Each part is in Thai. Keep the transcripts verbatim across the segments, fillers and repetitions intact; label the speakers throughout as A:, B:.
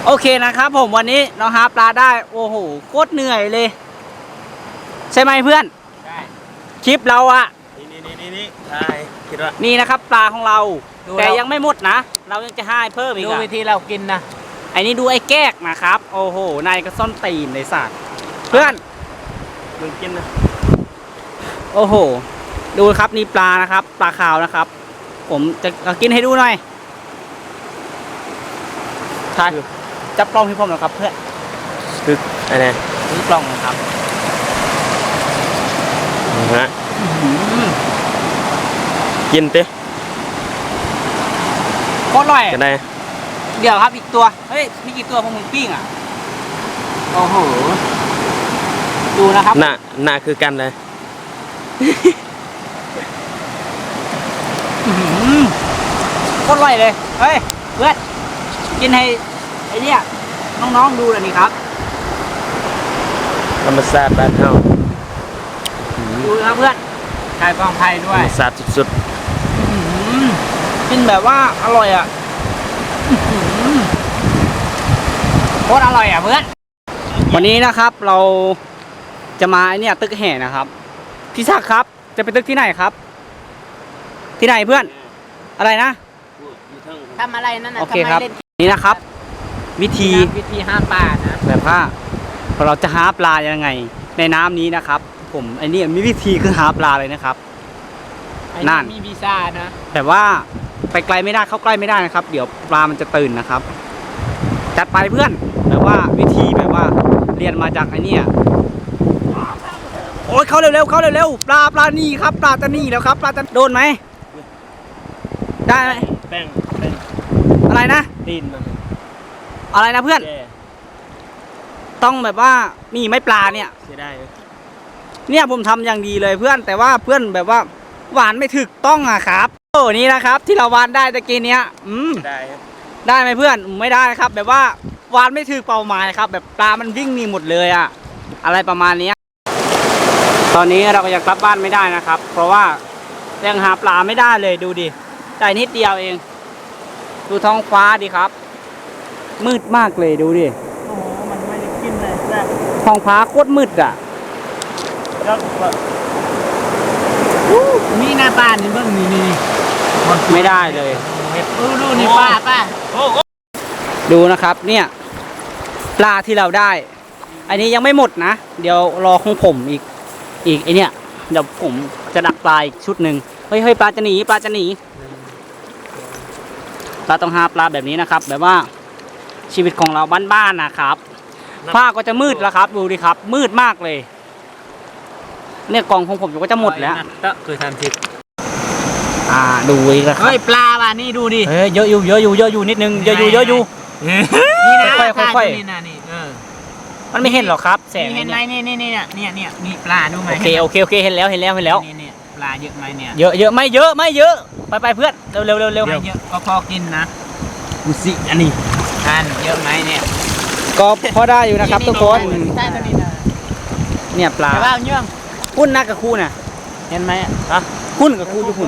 A: โอเคนะครับผมวันนี้เราหาปลาได้โอ้โหโคตรเหนื่อยเลยใช่ไหมเพื่อนใช่คลิปเราอะนี่นี่นี่นี่ใช่คิดว่านี่นะครับปลาของเราแต่ยังไม่หมดนะเรายังจะให้เพิ่มอีกดูวิธีเรากินนะไอ้นี่ดูไอ้แก้กนะครับโอ้โหนายก็ซ่อนตีนในสัตว์เพื่อนมึงกินนะโอ้โหดูครับนี่ปลานะครับปลาขาวนะครับผมจะกินให้ดูหน่อยใช่จับกล้องให้ผมหน่อยครับเพื่อนคืออะไรนี่กล้องนะครับฮะกินเต้ก็อร่อยกันได้เดี๋ยวครับอีกตัวเฮ้ยมีกี่ตัวพวกมึงปิ้งอ่ะโอ้โหดูนะครับหน้าหน้าคือกันเลยก็อร่อยเลยเฮ้ยเพื่อนกินให้ไอเนี้ยน้องๆดูเลยนี่ครับธรรมศาสตร์บ้านเฮาดูนะเพื่อนชายฟองไทยด้วยธรรมศาสตร์สุดๆกินแบบว่าอร่อยอ่ะโคตรอร่อยอ่ะเพื่อนวันนี้นะครับเราจะมาไอเนี้ยตึกแห่นะครับพี่ศักดิ์ครับจะไปตึกที่ไหนครับที่ไหนเพื่อนอะไรนะทำอะไรนั่นนะโอเคครับนี่นะครับวิธีวิธีหาปลานะแบบว่าเราจะหาปลายังไงในน้ำนี้นะครับผมไอ้นี่มีวิธีคือหาปลาเลยนะครับนั่นมีวีซ่านะแบบว่าไปไกลไม่ได้เข้าใกล้ไม่ได้นะครับเดี๋ยวปลามันจะตื่นนะครับจัดไปเพื่อนแบบว่าวิธีแบบว่าเรียนมาจากไอ้นี่โอ้ยเข้าเร็วๆเข้าเร็วๆปลาปลานี่ครับปลาตะนี่แล้วครับปลาจะโดนไหมได้ไหมแป้งอะไรนะตีนมันอะไรนะเพื่อนต้องแบบว่ามีไม่ปลาเนี่ยเสียดายเนี่ยผมทำอย่างดีเลยเพื่อนแต่ว่าเพื่อนแบบว่าหวานไม่ถึกต้องอะครับโอ้นี่นะครับที่เราหวานได้ตะกี้เนี้ยอืมได้ได้ไหมเพื่อนไม่ได้ครับแบบว่าหวานไม่ถึกเป้าหมายครับแบบปลามันวิ่งหนีหมดเลยอะอะไรประมาณนี้ตอนนี้เราก็ยังกลับบ้านไม่ได้นะครับเพราะว่ายังหาปลาไม่ได้เลยดูดิได้นิดเดียวเองดูท้องฟ้าดิครับมืดมากเลยดูดิโอ้โหมันไม่ได้กินเลยแซ่บท้องฟ้าโคตรมืดอ่ะนี่หน้าตานี่เบื้องนี่นี่ไม่ได้เลยดูดูนี่ป้าป้าดูนะครับเนี่ยปลาที่เราได้อันนี้ยังไม่หมดนะเดี๋ยวรอของผมอีกอีกไอเนี่ยเดี๋ยวผมจะดักปลาอีกชุดหนึ่งเฮ้ยเฮ้ยปลาจะหนีปลาจะหนีปลาต้องหาปลาแบบนี้นะครับแบบว่าชีวิตของเราบ้านๆนะครับผ้าก็จะมืดแล้วครับดูดิครับมืดมากเลยเนี่ยกล่องของผมก็จะหมดแล้วก็คือทำทิศอ่าดูอีกแล้วครับเฮ้ยปลาป่ะนี่ดูดิเฮ้ยเยอะอยู่เยอะอยู่เยอะอยู่นิดนึงเยอะอยู่เยอะอยู่นี่นะค่อยๆค่อยๆนี่นะนี่เออมันไม่เห็นหรอครับแสงเห็นไหมนี่นี่นี่เนี่ยเนี่ยเนี่ยมีปลาดูไหมโอเคโอเคโอเคเห็นแล้วเห็นแล้วเห็นแล้วนี่เนี่ยปลาเยอะไหมเนี่ยเยอะเยอะไม่เยอะไม่เยอะไปไปเพื่อนเร็วเร็วเร็วเร็วเยอะก็พอกินนะดูสิอันนี้ทานเยอะไหมเนี่ยก็พอได้อยู่นะครับทุกคนเนี่ยปลาปลาเยื่องหุ้นนักกับคู่น่ะเห็นไหมอ่ะหุ้นกับคู่อยู่หุ้น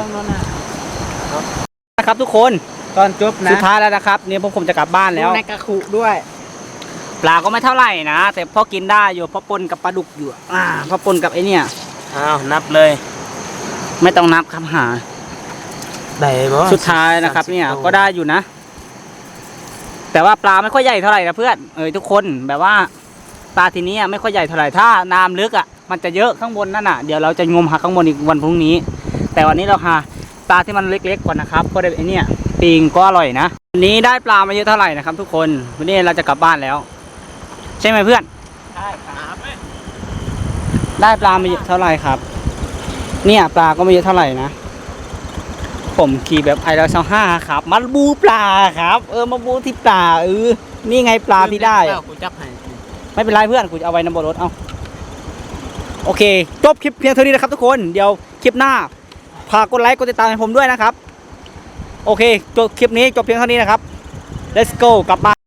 A: นะครับทุกคนตอนจบนะสุดท้ายแล้วนะครับเนี่ยพวกผมจะกลับบ้านแล้วนักกับคู่ด้วยปลาก็ไม่เท่าไหร่นะแต่พอกินได้อยู่พอปนกับปลาดุกอยู่อ่าพอปนกับไอเนี่ยอ้าวนับเลยไม่ต้องนับครับหาได้บ่สุดท้ายนะครับเนี่ยก็ได้อยู่นะแต่ว่าปลาไม่ค่อยใหญ่เท่าไหร่นะเพื่อนเออทุกคนแบบว่าปลาทีนี้ไม่ค่อยใหญ่เท่าไหร่ถ้าน้ำลึกอ่ะมันจะเยอะข้างบนนั่นน่ะเดี๋ยวเราจะงมหาข้างบนอีกวันพรุ่งนี้แต่วันนี้เราหาปลาที่มันเล็กๆก่อนนะครับก็ได้ไอเนี่ยปิงก็อร่อยนะวันนี้ได้ปลามาเยอะเท่าไหร่นะครับทุกคนวันนี้เราจะกลับบ้านแล้วใช่ไหมเพื่อนได้ครับได้ปลามาเยอะเท่าไหร่ครับเนี่ยปลาก็ไม่เยอะเท่าไหร่นะผมขี่แบบไอเราเซาห้าครับมาบูปลาครับเออมาบูที่ปลาเออนี่ไงปลาที่ได้กูจับให้ไม่เป็นไรเพื่อนกูจะเอาไว้ในบนรถเอาโอเคจบคลิปเพียงเท่านี้นะครับทุกคนเดี๋ยวคลิปหน้าฝากกดไลค์กดติดตามให้ผมด้วยนะครับโอเคจบคลิปนี้จบเพียงเท่านี้นะครับ let's go กลับบ้าน